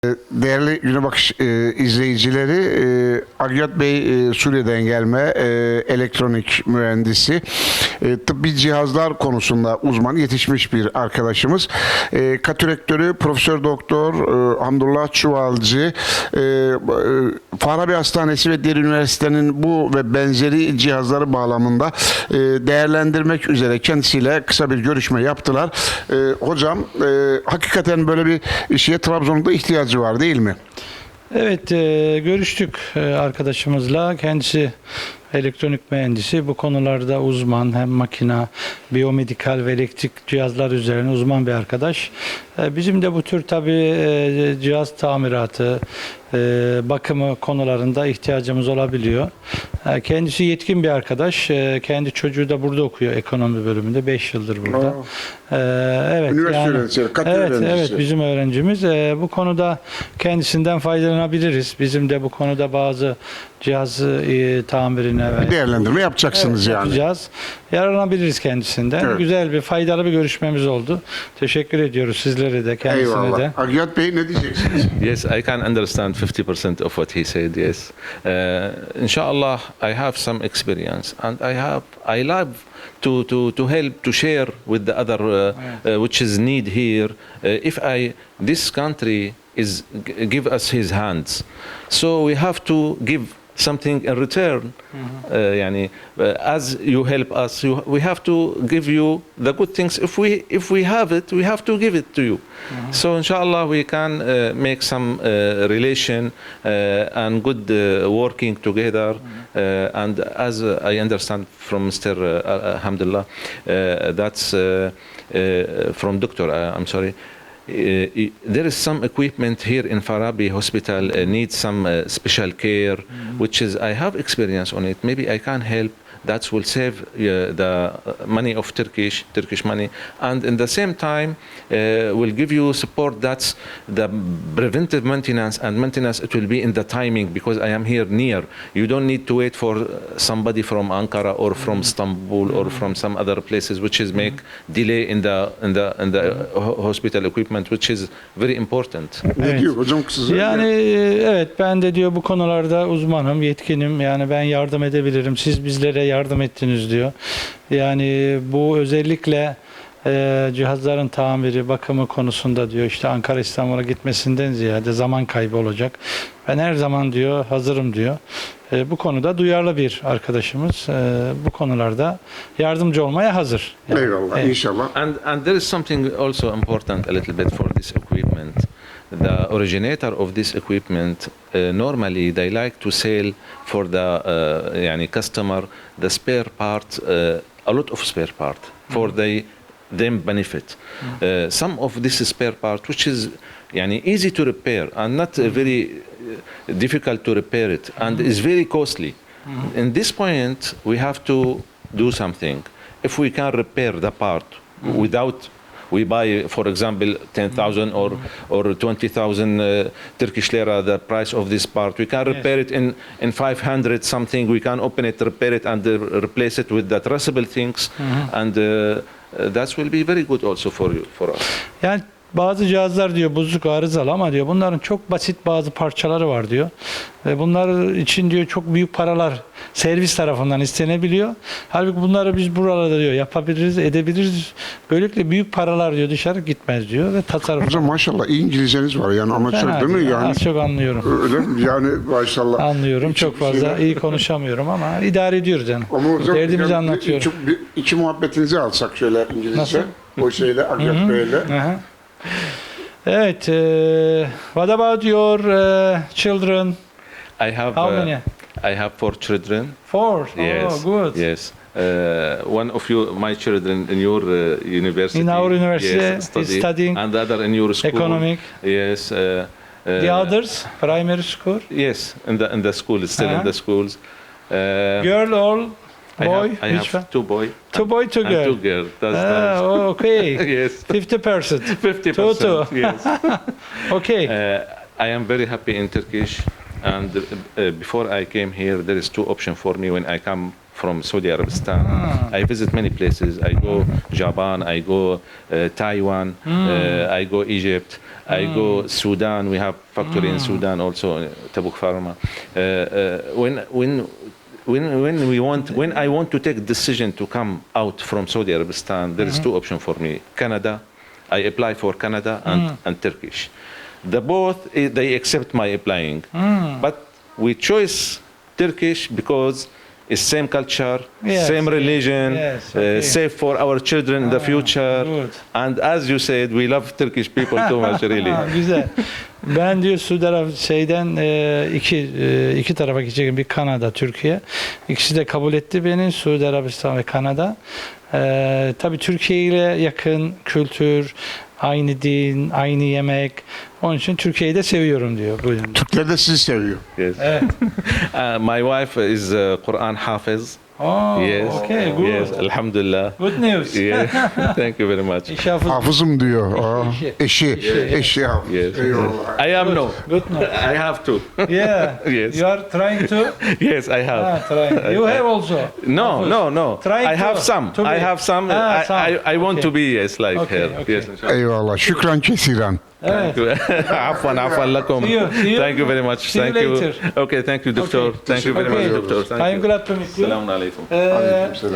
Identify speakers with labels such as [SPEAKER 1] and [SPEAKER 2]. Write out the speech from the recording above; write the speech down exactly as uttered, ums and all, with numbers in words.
[SPEAKER 1] Değerli Güne Bakış e, izleyicileri, e, Agyat Bey e, Suriye'den gelme e, elektronik mühendisi, e, tıbbi cihazlar konusunda uzman yetişmiş bir arkadaşımız. E, Katürektörü Profesör Doktor e, Hamdullah Çuvalcı, e, e, Farabi Hastanesi ve Diğer Üniversitenin bu ve benzeri cihazları bağlamında e, değerlendirmek üzere kendisiyle kısa bir görüşme yaptılar. E, hocam, e, hakikaten böyle bir şeye Trabzon'da ihtiyacı var değil mi?
[SPEAKER 2] Evet, e, görüştük e, arkadaşımızla. Kendisi elektronik mühendisi. Bu konularda uzman, hem makina, biyomedikal ve elektrik cihazlar üzerine uzman bir arkadaş. E, bizim de bu tür tabii e, cihaz tamiratı, e, bakımı konularında ihtiyacımız olabiliyor. E, kendisi yetkin bir arkadaş. E, kendi çocuğu da burada okuyor, ekonomi bölümünde. beş yıldır burada. E, evet,
[SPEAKER 1] Üniversite
[SPEAKER 2] yani,
[SPEAKER 1] öğrencisi, kat
[SPEAKER 2] evet,
[SPEAKER 1] öğrencisi.
[SPEAKER 2] evet, bizim öğrencimiz. E, bu konuda kendisinden faydalanabiliriz. Bizim de bu konuda bazı cihaz e, tamirine ve
[SPEAKER 1] Değerlendirme yapacaksınız
[SPEAKER 2] evet,
[SPEAKER 1] yani.
[SPEAKER 2] yapacağız. Yararlanabiliriz kendisinden.
[SPEAKER 1] Evet.
[SPEAKER 2] Güzel bir, faydalı bir görüşmemiz oldu. Teşekkür ediyoruz sizlere de, kendisine
[SPEAKER 1] Eyvallah.
[SPEAKER 2] de.
[SPEAKER 1] Agyat Bey ne diyeceksiniz?
[SPEAKER 3] Yes, I can understand fifty percent of what he said. Yes, uh, inshallah, I have some experience, and I have I love to to to help to share with the other, uh, uh, which is need here. Uh, if I this country is g- give us his hands, so we have to give something in return. Uh, yani, uh, as you help us, you, we have to give you the good things. If we if we have it, we have to give it to you. So inshallah we can uh, make some uh, relation uh, and good uh, working together. Uh, and as uh, I understand from Mister Uh, Alhamdulillah, uh, that's uh, uh, from Doctor. Uh, I'm sorry. Uh, there is some equipment here in Farabi Hospital uh, needs some uh, special care, which is I have experience on it. Maybe I can help. That will save uh, the money of Turkish Turkish money, and in the same time uh, will give you support. That's the preventive maintenance and maintenance. It will be in the timing because I am here near. You don't need to wait for somebody from Ankara or from Istanbul or from some other places, which is make delay in the in the in the ho- hospital equipment, which is very important.
[SPEAKER 1] Ne
[SPEAKER 2] Evet.
[SPEAKER 1] diyor hocam kısaca?
[SPEAKER 2] Yani e, evet, ben de diyor bu konularda uzmanım, yetkinim. Yani ben yardım edebilirim. Siz bizlere yardım ettiniz diyor. Yani bu özellikle e, cihazların tamiri, bakımı konusunda diyor, işte Ankara İstanbul'a gitmesinden ziyade zaman kaybı olacak. Ben her zaman diyor hazırım diyor. E, bu konuda duyarlı bir arkadaşımız. E, bu konularda yardımcı olmaya hazır. Yani,
[SPEAKER 1] Eyvallah,
[SPEAKER 2] evet.
[SPEAKER 1] inşallah.
[SPEAKER 3] And and there is something also important a little bit for this equipment. The originator of this equipment uh, normally they like to sell for the uh, yani customer the spare part, uh, a lot of spare part for the them benefit. Uh, some of this spare part which is yani easy to repair and not uh, very uh, difficult to repair it and is very costly. In this point we have to do something. If we can repair the part without we buy, for example, ten thousand or or twenty thousand uh, Turkish lira, the price of this part. We can repair it in in five hundred something. We can open it, repair it, and uh, replace it with the traceable things, and uh, uh, that will be very good also for you, for us.
[SPEAKER 2] Yani bazı cihazlar diyor bozuk, arızalı, ama diyor bunların çok basit bazı parçaları var diyor. Ve bunlar için diyor çok büyük paralar servis tarafından istenebiliyor. Halbuki bunları biz buralarda diyor yapabiliriz, edebiliriz. Böylelikle büyük paralar diyor dışarı gitmez diyor ve tasarruf.
[SPEAKER 1] Hocam maşallah iyi İngilizceniz var yani amatör
[SPEAKER 2] Fena
[SPEAKER 1] değil mi
[SPEAKER 2] değil,
[SPEAKER 1] yani?
[SPEAKER 2] az çok anlıyorum.
[SPEAKER 1] Öyle mi? Yani maşallah.
[SPEAKER 2] Anlıyorum. Çok
[SPEAKER 1] Hiçbir
[SPEAKER 2] fazla
[SPEAKER 1] şeyden-
[SPEAKER 2] iyi konuşamıyorum ama idare ediyoruz yani.
[SPEAKER 1] Ama hocam
[SPEAKER 2] Derdimizi
[SPEAKER 1] yani
[SPEAKER 2] anlatıyorum.
[SPEAKER 1] Iki, bir- iki muhabbetinizi alsak şöyle İngilizce.
[SPEAKER 2] Nasıl?
[SPEAKER 1] O şeyle Agyat Bey'le.
[SPEAKER 2] Aha. Evet. E, what about your e, children?
[SPEAKER 3] I have
[SPEAKER 2] How
[SPEAKER 3] uh,
[SPEAKER 2] many?
[SPEAKER 3] I have four children.
[SPEAKER 2] Four.
[SPEAKER 3] Yes.
[SPEAKER 2] Oh, good.
[SPEAKER 3] Yes. Uh, one of you, my children, in your uh, university.
[SPEAKER 2] In our university,
[SPEAKER 3] yes,
[SPEAKER 2] is studying
[SPEAKER 3] and the other in your school.
[SPEAKER 2] economic.
[SPEAKER 3] Yes. Uh, uh,
[SPEAKER 2] The others, primary school.
[SPEAKER 3] Yes, in the in the school, still
[SPEAKER 2] Uh-huh.
[SPEAKER 3] in the schools. Uh,
[SPEAKER 2] Girl or
[SPEAKER 3] I
[SPEAKER 2] boy?
[SPEAKER 3] have, I
[SPEAKER 2] Which
[SPEAKER 3] have
[SPEAKER 2] one?
[SPEAKER 3] two boy.
[SPEAKER 2] Two boy, two
[SPEAKER 3] and
[SPEAKER 2] girl.
[SPEAKER 3] two girl. That's
[SPEAKER 2] Ah,
[SPEAKER 3] nice.
[SPEAKER 2] oh, okay.
[SPEAKER 3] Yes.
[SPEAKER 2] Fifty percent.
[SPEAKER 3] Fifty
[SPEAKER 2] Two, two.
[SPEAKER 3] percent. Yes.
[SPEAKER 2] Okay.
[SPEAKER 3] Uh, I am very happy in Turkish, and uh, before I came here, there is two options for me when I come from Saudi Arabistan.
[SPEAKER 2] Ah.
[SPEAKER 3] I visit many places. I go Japan, I go uh, Taiwan, uh, I go Egypt, I go Sudan. We have factory in Sudan also, uh, Tabuk Pharma. Uh, uh, when when when when we want when I want to take decision to come out from Saudi Arabistan, there is two options for me: Canada. I apply for Canada and, and Turkish. The both eh, they accept my applying, but we choose Turkish because it's same culture,
[SPEAKER 2] Yes,
[SPEAKER 3] same religion,
[SPEAKER 2] yes,
[SPEAKER 3] uh,
[SPEAKER 2] okay.
[SPEAKER 3] safe for our children in the future.
[SPEAKER 2] good.
[SPEAKER 3] And as you said, we love Turkish people too much, really.
[SPEAKER 2] Ha, güzel. Ben diyor Suudi Arabistan şeyden e, iki e, iki tarafa gidecek, bir Kanada, Türkiye. İkisi de kabul etti beni, Suudi Arabistan ve Kanada. E, tabii Türkiye ile yakın kültür, aynı din, aynı yemek. Onun için Türkiye'yi de seviyorum diyor. Buyurun.
[SPEAKER 1] Türkler de sizi seviyor.
[SPEAKER 3] Yes.
[SPEAKER 2] Evet.
[SPEAKER 3] Uh, my wife is uh, Quran Hafiz.
[SPEAKER 2] Oh,
[SPEAKER 3] Yes.
[SPEAKER 2] okay, good.
[SPEAKER 3] Yes, Alhamdulillah.
[SPEAKER 2] Good news.
[SPEAKER 3] Yeah. Thank you very much.
[SPEAKER 2] İş hafız.
[SPEAKER 1] Hafızım diyor. Aa, eşi. Eşi hafız.
[SPEAKER 3] Yes.
[SPEAKER 1] Eyvallah.
[SPEAKER 3] I am no.
[SPEAKER 2] Good news.
[SPEAKER 3] I have to.
[SPEAKER 2] Yeah.
[SPEAKER 3] Yes.
[SPEAKER 2] You are trying to?
[SPEAKER 3] Yes, I have.
[SPEAKER 2] Ah, trying. You have also.
[SPEAKER 3] No,
[SPEAKER 2] Hafiz.
[SPEAKER 3] no, no.
[SPEAKER 2] Trying
[SPEAKER 3] I have
[SPEAKER 2] to-
[SPEAKER 3] some.
[SPEAKER 2] to
[SPEAKER 3] I
[SPEAKER 2] be.
[SPEAKER 3] have some.
[SPEAKER 2] Ah,
[SPEAKER 3] I,
[SPEAKER 2] some.
[SPEAKER 3] I, I want
[SPEAKER 2] Okay.
[SPEAKER 3] to be yes like
[SPEAKER 2] Okay,
[SPEAKER 3] her.
[SPEAKER 2] okay.
[SPEAKER 3] Yes, inshallah.
[SPEAKER 1] Eyvallah. Şükran kesiran.
[SPEAKER 2] Evet.
[SPEAKER 3] عفوا عفوا لكم.
[SPEAKER 2] See you, see you.
[SPEAKER 3] Thank you very much.
[SPEAKER 2] See you
[SPEAKER 3] Thank you.
[SPEAKER 2] later.
[SPEAKER 3] Okay, thank you, doctor.
[SPEAKER 2] Okay.
[SPEAKER 3] Thank you very
[SPEAKER 2] Okay.
[SPEAKER 3] much, doctor. Thank
[SPEAKER 2] I'm
[SPEAKER 3] you.
[SPEAKER 2] glad to meet you.
[SPEAKER 3] Selamun aleyküm.
[SPEAKER 2] Ee,